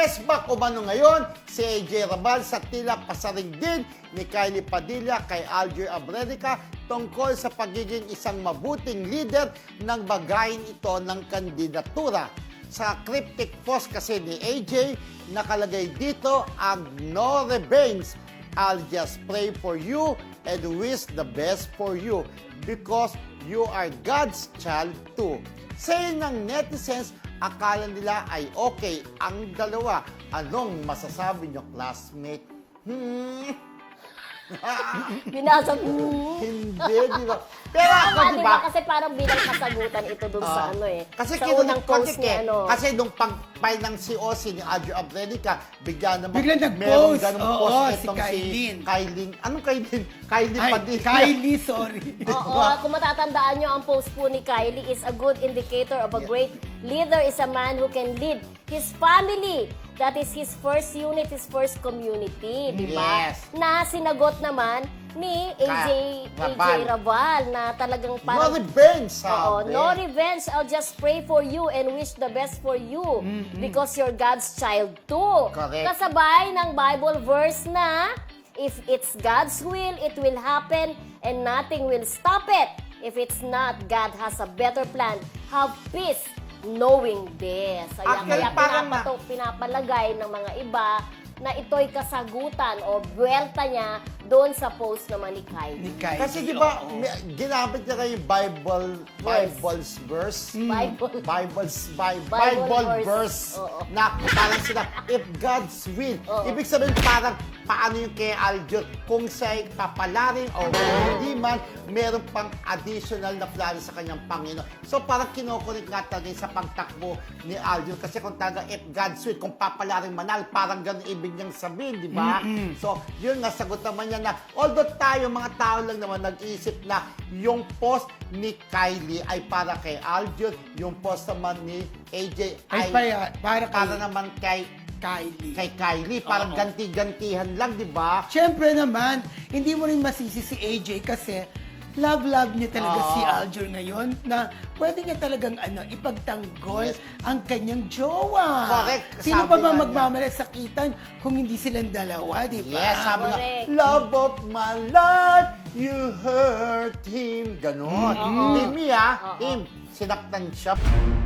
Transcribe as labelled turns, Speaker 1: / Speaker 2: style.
Speaker 1: Press back umano ngayon si AJ Rabal sa tila pasaring din ni Kylie Padilla kay Alger Abrenica tungkol sa pagiging isang mabuting leader ng bagayin ito ng kandidatura. Sa cryptic post kasi ni AJ, nakalagay dito ang no revenge. I'll just pray for you and wish the best for you because you are God's child too. Say ng netizens, akala nila ay okay ang dalawa. Anong masasabi niyo, classmate?
Speaker 2: Binasa
Speaker 1: Hindi, di ba? Pero ako, di ba?
Speaker 2: Kasi parang bilang kasagutan ito dun sa ano eh.
Speaker 1: Kasi
Speaker 2: sa unang post ni ano.
Speaker 1: Kasi nung pag-file ng COC ni Alger Abrenica, bigla naman
Speaker 3: Biglang nag-post.
Speaker 1: merong ganong
Speaker 3: Oo,
Speaker 1: post
Speaker 3: si
Speaker 1: itong
Speaker 3: Kylie.
Speaker 1: Kylie. Anong Kylie? Kylie
Speaker 3: Ay,
Speaker 1: Padilla.
Speaker 3: Kylie, sorry.
Speaker 2: Oo, kung matatandaan nyo, ang post po ni Kylie is a good indicator of a great leader is a man who can lead his family. That is his first unit, his first community, di ba?
Speaker 1: Yes.
Speaker 2: Na sinagot naman ni AJ Rabal na talagang
Speaker 1: No
Speaker 2: parang...
Speaker 1: revenge,
Speaker 2: Oo,
Speaker 1: sabi.
Speaker 2: no revenge. I'll just pray for you and wish the best for you because you're God's child too.
Speaker 1: Correct.
Speaker 2: Kasabay ng Bible verse na if it's God's will, it will happen and nothing will stop it. If it's not, God has a better plan. Have peace knowing this.
Speaker 1: Actually,
Speaker 2: Kaya
Speaker 1: parang
Speaker 2: pinapalagay ng mga iba na ito'y kasagutan o buwelta niya doon sa post naman ni Kylie.
Speaker 3: Ni Kylie.
Speaker 1: Kasi di ba,
Speaker 3: oo.
Speaker 1: ginamit niya kayo yung Bible's verse.
Speaker 2: Bible.
Speaker 1: Bible
Speaker 2: verse.
Speaker 1: verse.
Speaker 2: Oo.
Speaker 1: Na parang sila, if God's will.
Speaker 2: Oo.
Speaker 1: Ibig sabihin parang paano yung kay Alger, kung siya'y papalarin o hindi man, meron pang additional na plano sa kanyang Panginoon. So parang kinukulit nga talaga sa pagtakbo ni Alger. Kasi kung talaga if God's will, kung papalarin manal, parang ganun ibig niyang sabihin, di ba? So, yun nga, sagot naman niya na, although tayo, mga tao lang naman, nag-iisip na yung post ni Kylie ay para kay Alger, yung post naman ni AJ ay
Speaker 3: para
Speaker 1: naman kay
Speaker 3: Kylie.
Speaker 1: Parang
Speaker 3: Oo.
Speaker 1: ganti-gantihan lang, di ba?
Speaker 3: Siyempre naman, hindi mo rin masisi si AJ kasi love niya talaga si Alger ngayon na pwede niya talagang ipagtanggol
Speaker 1: Yes.
Speaker 3: ang kanyang jowa.
Speaker 1: Correct.
Speaker 3: Sino
Speaker 1: Sabi
Speaker 3: pa ba
Speaker 1: nga niya.
Speaker 3: magmamalasakitan kung hindi silang dalawa, di ba?
Speaker 1: Yes, sabi nga,
Speaker 2: Correct.
Speaker 1: love of my life, you hurt him. Ganon. Hindi, Mia, him, sinaktan siya.